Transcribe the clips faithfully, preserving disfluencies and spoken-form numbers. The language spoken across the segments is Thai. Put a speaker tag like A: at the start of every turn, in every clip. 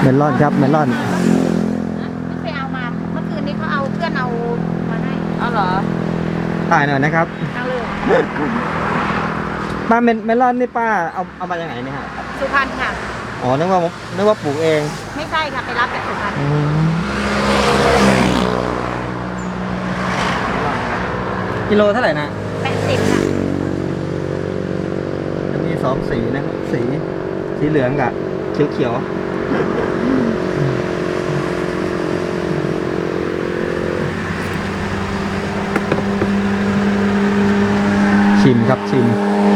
A: เมลอนครับเมลอน
B: ไปเอามาเมื่อคืนนี้เขาเอาเพื่อนเอามาให้เอาเหรอ
A: ถ่ายหน่อยนะครับ
B: เอาเลย
A: ป้าเมเมลอนนี่ป้าเอาเอามาจากไหนเนี่ยฮะ
B: สุพรรณค่ะ
A: อ๋อนึกว่านึกว่าปลูกเอง
B: ไม่ใช่ค่ะไปรับจากสุพรรณ
A: กิโลเท่าไหร่นะ
B: แปดสิบค่ะ
A: จะมีสองสีนะครับสีสีเหลืองกับเขียวเขียวชิมครับชิม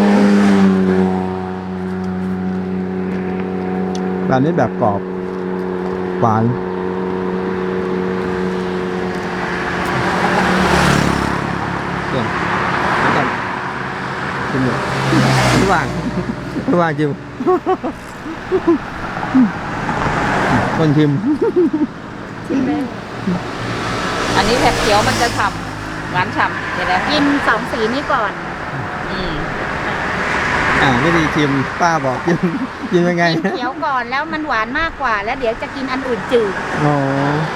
A: แบบนี้แบบกรอบหวานเดี๋ยวก่อนชิมเลยระหว่างระหว่างชิมคนชิม
B: ชิมเลยอันนี้แผบเขียวมันจะฉ่ำหวานฉ่ำเดี๋ยวนะกินสองสีนี้ก่อนอืม
A: อ่าไม่ดีชิมป้าบอกชิมชิมยังไง
B: เขียวก่อนแล้วมันหวานมากกว่าแล้วเดี๋ยวจะกินอันอื่นจืด
A: อ๋อ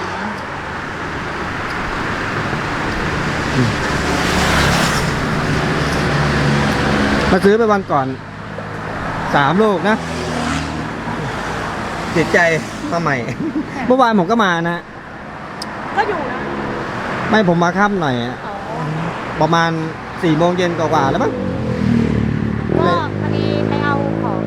A: มาซื้อไปวันก่อนสามลูกนะติดใจมาใหม่เมื่อวานผมก็มานะ
B: ก็อยู่นะ
A: ไม่ผมมาค่ำหน่อยประมาณสี่โมงเย็นกว่าๆแล้วมั้ง
B: ก็พอดีไปเอาของ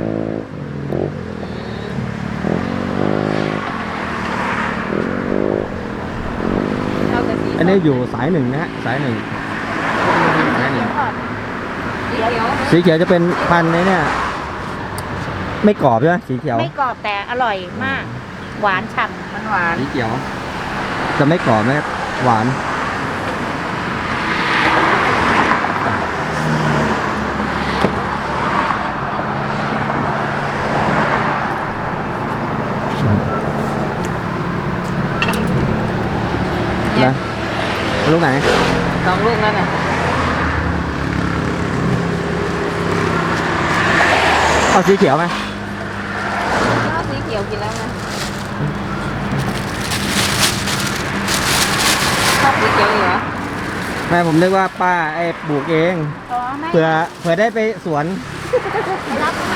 A: อันนี้อยู่สายหนึ่งนะฮะสายหนึ่งสายหนึ่งสีเขียวจะเป็นพันธุ์นี้เนี่ยไม่กรอบใช่ไหมสีเขียว
B: ไม่กรอบแต่อร่อยมากหวานฉ่ำมันหวาน
A: สีเขียวจะไม่กรอบนะครับหวานนะลูกไหน
B: สองลูกนั่นน่ะ
A: เอาสีเขียวไหม
B: เอาสีเขียวกินแล้วนะชอบสีเขียวอยู่เหรอ
A: แม่ผมนึกว่าป้าไอ้ปลูกเองเผื่อเผื่อได้ไปสวน
B: รับมา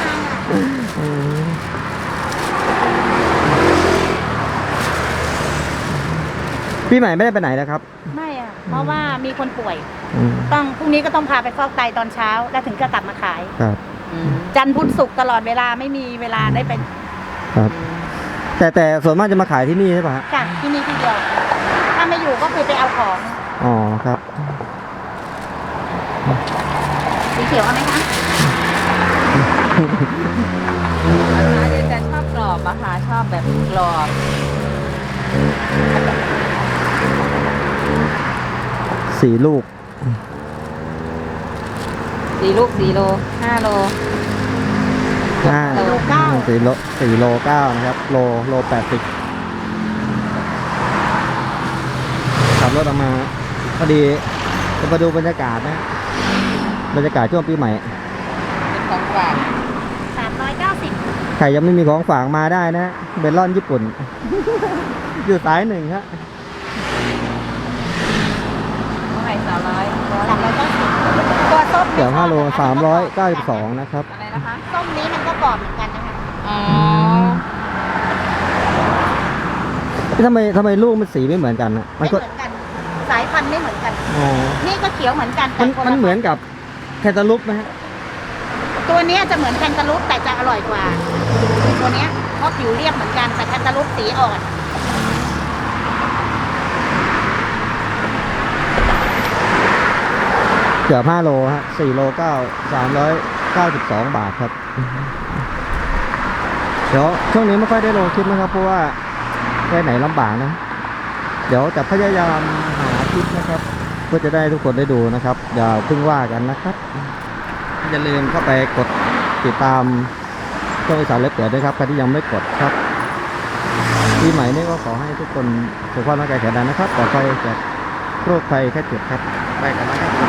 A: พี่ใหม่ไม่ได้ไปไหนนะครับ
B: ไม่อ่ะเพราะว่ามีคนป่วยต้องพรุ่งนี้ก็ต้องพาไปฟอกไตตอนเช้าแล้วถึงจะกลับมาขาย
A: ครับ
B: จันทร์พุธศุกร์ตลอดเวลาไม่มีเวลาได้ไป
A: ครับแต่แต่ส่วนมากจะมาขายที่นี่ใช่ปะ
B: ค่ะที่นี่ที่เดียวถ้าไม่อยู่ก็คือไปเอาของ
A: อ๋อครับ
B: สีเขียวเอาไหมคะอาจารย์ชอบกรอบอะค่ะชอบแบบกรอบ
A: สี่ลูก
B: สี่ลูกสี่โลห้าโล
A: ห้าโลเก้าสี่โลสี่โลเก้านะครับโลโลแปดสิบขับรถออกมาพอดีจะมาดูบรรยากาศนะบรรยากาศช่วงปีใหม่
B: เป็นของฝากสามร้อยเก้าสิบ
A: ใครยังไม่มีของฝากมาได้นะเบลลอนญี่ปุ่น อยู่สายหนึ่งครับ
B: เท่าไหร่สามร้อยสามร้อยเก้าสิบตัวส้ม
A: เดี๋ยวห้าโลสามร้อยเก้าสิบสองนะครับ
B: อะไรนะคะส้มนี้มันก็กรอบเหมือนกันนะคะอ๋อ
A: ทำไมทำไมลูกมันสีไม่เหมือนกันนะ
B: มันก็เหมือนกันสายพันธุ์ไม่เหมือนกัน
A: อ๋อ
B: นี่ก็เขียวเหมือนกัน
A: มันมันเหมือนกับแคนตาลูปไหมฮะ
B: ตัวนี้จะเหมือนแคนตาลูปแต่จะอร่อยกว่าตัวนี้เพราะผิวเรียบเหมือนกันแต่แคนตาลูปสีอ่อน
A: เกือบห้าโลฮะสี่โลเก้าสามร้อยเก้าสิบสองบาทครับเดี๋ยวช่วงนี้ไม่ค่อยได้ลงคลิปนะครับเพราะว่าไปไหนลำบากนะเดี๋ยวจะพยายามหาคลิปนะครับเพื่อจะได้ทุกคนได้ดูนะครับอย่าเพิ่งว่ากันนะครับอย่าลืมเข้าไปกดติดตามช่องอีสานเล็บเปียด้วยครับใครที่ยังไม่กดครับปีใหม่นี้ก็ขอให้ทุกคนสุขภาพร่างกายแข็งแรงนะครับปลอดภัยจากโรคภัยแค่เจ็บครับไปกันนะครับ